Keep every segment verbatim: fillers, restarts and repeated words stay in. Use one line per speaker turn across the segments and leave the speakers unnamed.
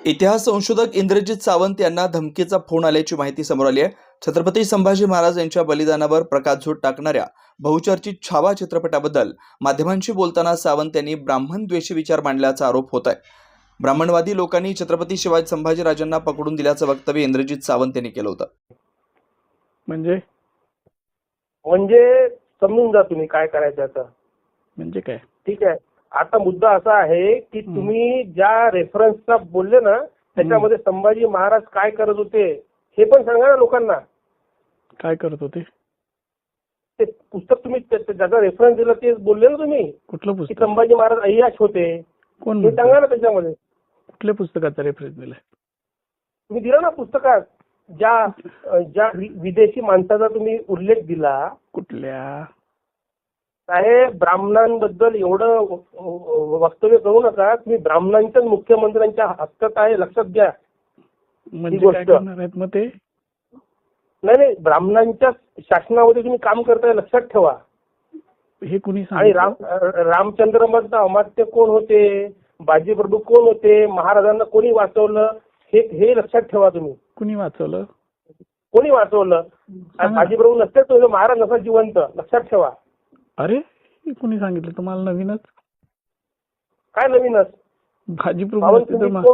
इतिहास संशोधक इंद्रजित सावंत यांना धमकीचा फोन आल्याची माहिती समोर आली आहे. छत्रपती संभाजी महाराज यांच्या बलिदानावर प्रकाशझोत टाकणाऱ्या बहुचर्चित छावा चित्रपटाबद्दल माध्यमांशी बोलताना सावंत यांनी ब्राह्मण द्वेषी विचार मांडल्याचा आरोप होत आहे. ब्राह्मणवादी लोकांनी छत्रपती शिवाजी संभाजीराजांना पकडून दिल्याचं वक्तव्य इंद्रजित सावंत यांनी केलं होतं.
म्हणजे
म्हणजे समजून जा तुम्ही काय करायचं आता.
म्हणजे काय?
ठीक आहे. आता मुद्दा असा आहे की तुम्ही ज्या रेफरन्सचा बोलले ना त्याच्यामध्ये संभाजी महाराज काय करत होते हे पण सांगा ना लोकांना.
काय करत होते?
ते पुस्तक तुम्ही ज्याचा रेफरन्स दिला ते बोलले ना तुम्ही.
कुठलं
की
पुस्तक?
संभाजी महाराज अय्याश होते.
कोण
हे सांगा ना त्याच्यामध्ये.
कुठल्या पुस्तकाचा रेफरन्स दिलाय?
तुम्ही दिला ना पुस्तकात ज्या ज्या विदेशी माणसाचा तुम्ही उल्लेख दिला.
कुठल्या?
साहेब ब्राह्मणांबद्दल एवढं वक्तव्य करू नका. तुम्ही ब्राह्मणांच्याच मुख्यमंत्र्यांच्या हक्कात आहे, लक्षात घ्या.
म्हणजे काय करणार आहेत मग ते?
नाही नाही ब्राह्मणांच्या शासनामध्ये तुम्ही काम करताय, लक्षात ठेवा.
हे कुणी
आणि
सांगितलं?
राम रामचंद्र मधलं अमात्य कोण होते, बाजीप्रभू कोण होते, महाराजांना कोणी वाचवलं हे हे लक्षात ठेवा तुम्ही.
कुणी वाचवलं?
कोणी वाचवलं? बाजीप्रभू नसते तो महाराज नसा जिवंत, लक्षात ठेवा.
अरे हे कुणी सांगितलं तुम्हाला? नवीनच?
काय नवीनच?
भाजी प्रभू
महाराज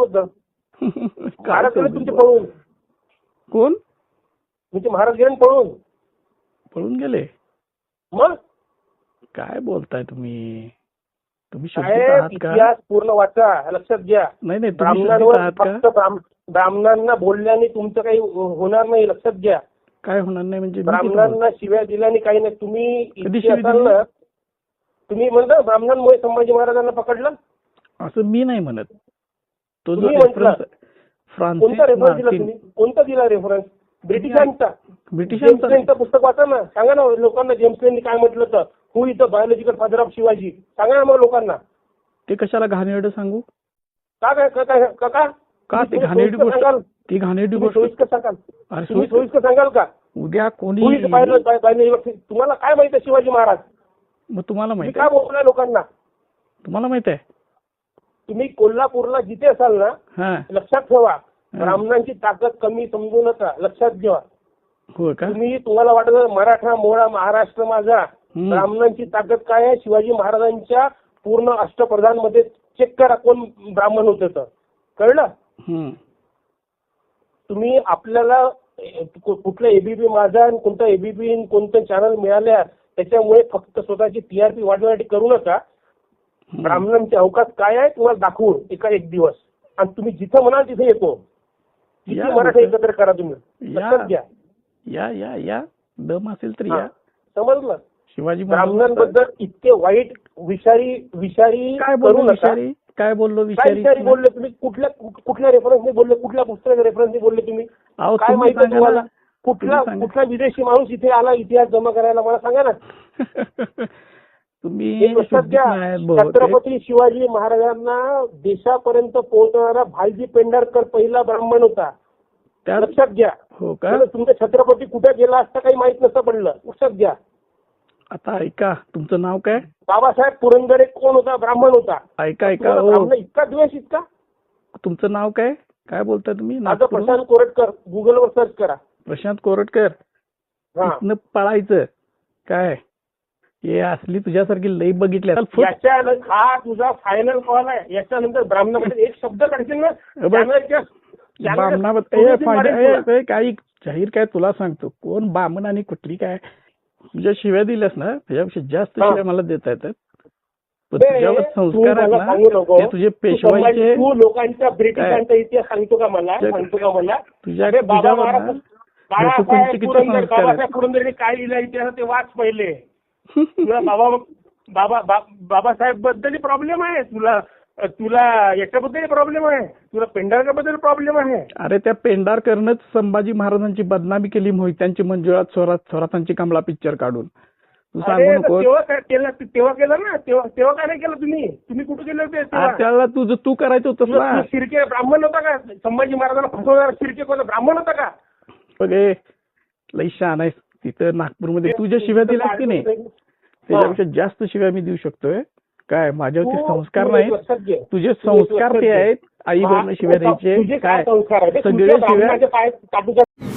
गेले तुमचे पळून.
कोण?
तुमचे महाराज गेले पळून.
पळून गेले?
मग
काय बोलताय तुम्ही? तुम्ही शुद्ध
साहेब
आहात का?
इतिहास पूर्ण वाचा, लक्षात घ्या.
नाही नाही, तुम्ही शुद्ध
ब्राह्मणांवर
आहात का?
फक्त ब्राह्म- ब्राह्मणांना बोलल्याने तुमचं काही होणार नाही, लक्षात घ्या.
काय होणार नाही म्हणजे? मी कुठं बोलतो?
ब्राह्मणांना शिव्या दिल्याने काही नाही. तुम्ही
कधी
इतके
शिवी
असाल
दिली?
ना, तुम्ही म्हणता ब्राह्मणांमुळे संभाजी महाराजांना पकडलं.
असं मी नाही म्हणत. तो जो
तुम्ही म्हटलं.
रेफरन्स
कोणता रेफरन्स दिला
फ्रान्सिस
तुम्ही? कोणता दिला रेफरन्स? ब्रिटिशांचा. जेम्स
ब्रिटिशांचा
लेनचं पुस्तक वाचा ना, सांगा ना लोकांना जेम्स लेननी काय म्हटलं तर. Who is the biological father of Shivaji, सांगा ना मग लोकांना.
ते कशाला घाणेरडं सांगू?
का काय का काय का का
का ते
तुम्ही
घाणेरडी
सोयीस्कर
गोष्ट?
सांगाल?
ती घाणेरडी
तुम्ही
गोष्ट
सोयीस्कर सांगाल?
अरे
तुम्ही
सोयीस्कर-
सोयीस्कर सांगाल का?
उद्या कोणी
हु इज बायोलॉजिकल, तुम्हाला काय माहिती आहे शिवाजी महाराज?
मग तुम्हाला
तुम्ही
माहित
काय
आहे?
बोलताय लोकांना?
तुम्हाला माहित आहे?
तुम्ही कोल्हापूरला जिथे असाल ना,
हा
लक्षात ठेवा ब्राह्मणांची ताकद कमी समजू नका, लक्षात घ्या.
हो का?
तुम्ही तुम्हाला वाटत मराठा मोळा महाराष्ट्र माझा.
हम्म.
ब्राह्मणांची ताकद काय आहे? शिवाजी महाराजांच्या पूर्ण अष्टप्रधान मध्ये चेक करा कोण ब्राह्मण होते तर कळलं.
हम्म.
तुम्ही आपल्याला कुठलं एबीपी माझा आणि कोणतं एबीपी कोणतं चॅनल मिळाल्या त्याच्यामुळे फक्त स्वतःची टीआरपी वाढवण्यासाठी करू नका. ब्राह्मणांचे अवकाश काय आहे तुम्हाला दाखवू एका एक दिवस, आणि तुम्ही जिथं म्हणाल तिथे येतो. किती
या
मराठा
लोकं.
एकत्र करा तुम्ही, लक्षात घ्या.
या या या दम असेल तर
हा,
या.
समजलं.
शिवाजी महाराज
ब्राह्मणांबद्दल इतके वाईट विषारी विषारी
काय
करू
बोललो?
नका.
विषारी काय बोललो?
काय
विषारी
विषारी बोलले तुम्ही? कुठल्या कुठल्या रेफरन्सने बोलले? कुठल्या पुस्तकाच्या रेफरन्सने बोलले तुम्ही?
अहो,
काय
तुम्ही
माहिती
सांगा
तुम्हाला?
ना.
कुठला
तुम्ही सांगा.
कुठला विदेशी माणूस इथे आला इतिहास जमा करायला मला सांगा ना.
तुम्ही
एक लक्षात
शुद्धीत
घ्या,
नाही आहेत बहुतेक.
छत्रपती शिवाजी महाराजांना देशापर्यंत पोहोचणारा भालजी पेंढारकर पहिला ब्राह्मण होता,
त्यात-
लक्षात घ्या.
हो का?
त्यामुळे तुमचा छत्रपती कुठे गेला असता काही माहित नसतं पडलं, लक्षात घ्या.
आता ऐका, तुमचं नाव काय?
बाबासाहेब पुरंदरे कोण होता? ब्राह्मण होता.
ऐका ऐका
तुम्हाला
हो.
ब्राह्मण इतका द्वेष इतका?
तुमचं नाव काय? काय बोलताय तुम्ही?
माझं
नागपूरहून?
प्रशांत कोरटकर, गुगलवर सर्च करा.
प्रशांत कोरटकर.
हा,
इथनं पळायचं काय? हे असली तुझ्यासारखी लई बघितल्या. चल, फुट.
याच्या हा तुझा फायनल कॉल आहे. याच्यानंतर ब्राह्मणामध्ये एक शब्द काढशील ना,
बघ.
चॅनलच्या- चॅनलच्या-
बामणाबद्दल- ए,
तुम्ही
फायदा-
मारेल तुला.
ए, ए, काही जाहीर काय तुला सांगतो, कोण बामण आणि कुठली काय तुझ्या शिव्या दिल्यास ना त्याच्यापेक्षा जास्त
हा.
शिव्या मला देता येतात. पण
ए,
तुझ्यावर
तू
संस्कार आहेत
मला सांगू
ना,
नको.
ते तुझे
तू
पेशवाईचे
संभाजी- तू लोकांच्या ब्रिटिशांचा इतिहास सांगतो का मला?
तुझ्या-
सांगतो का मला?
तुझ्या
अरे बाबा
तुझ्यावर
महाराज
ना
बाळासाहेब
घरकुंची किती
पुरंदरे
संस्कार आहेत.
बाबासाहेब पुरंदरेने काय लिहिलं इतिहास ते वाच पहिले. तुला बाबा बाबा बा- बाबासाहेब बद्दल प्रॉब्लेम आहे, तुला तुला याच्याबद्दल प्रॉब्लेम आहे, तुला पेंढारकर बद्दल प्रॉब्लेम आहे.
अरे त्या पेंढारकरनंच संभाजी महाराजांची बदनामी केली, मोहित्यांची मंजुळात स्वरात स्वरातांची कमला पिक्चर काढून. तू सांगू
अरे
नको.
तेव्हा काय केलं? तेव्हा केलं ना, तेव्हा तेव्हा काय नाही केलं तुम्ही? तुम्ही कुठे केले होते तेव्हा?
त्याला तुझं तू करायचं होतं
तुला-
ना.
तुला शिर्के ब्राह्मण होता का? संभाजी महाराजांना फसवणारा शिर्के कोणता ब्राह्मण होता का?
बघ ए, लई शहाणा आहेस. तिथं नागपूरमध्ये तुझ्या शिव्या दिल्यास की नाही त्याच्यापेक्षा जास्त शिव्या मी देऊ शकतोय. काय माझ्यावरती
तू-
संस्कार
तू एक
नाहीत,
लक्षात घे.
तुझे
तू एक
संस्कार
लक्षात
ते
घे.
आहेत आई वरनं शिव्या
तुझे
द्यायचे
काय
काय
संस्कार आहे ते?
सगळे
तुझ्या
शिव्या
ब्राह्मणाचे पाय काटूच्या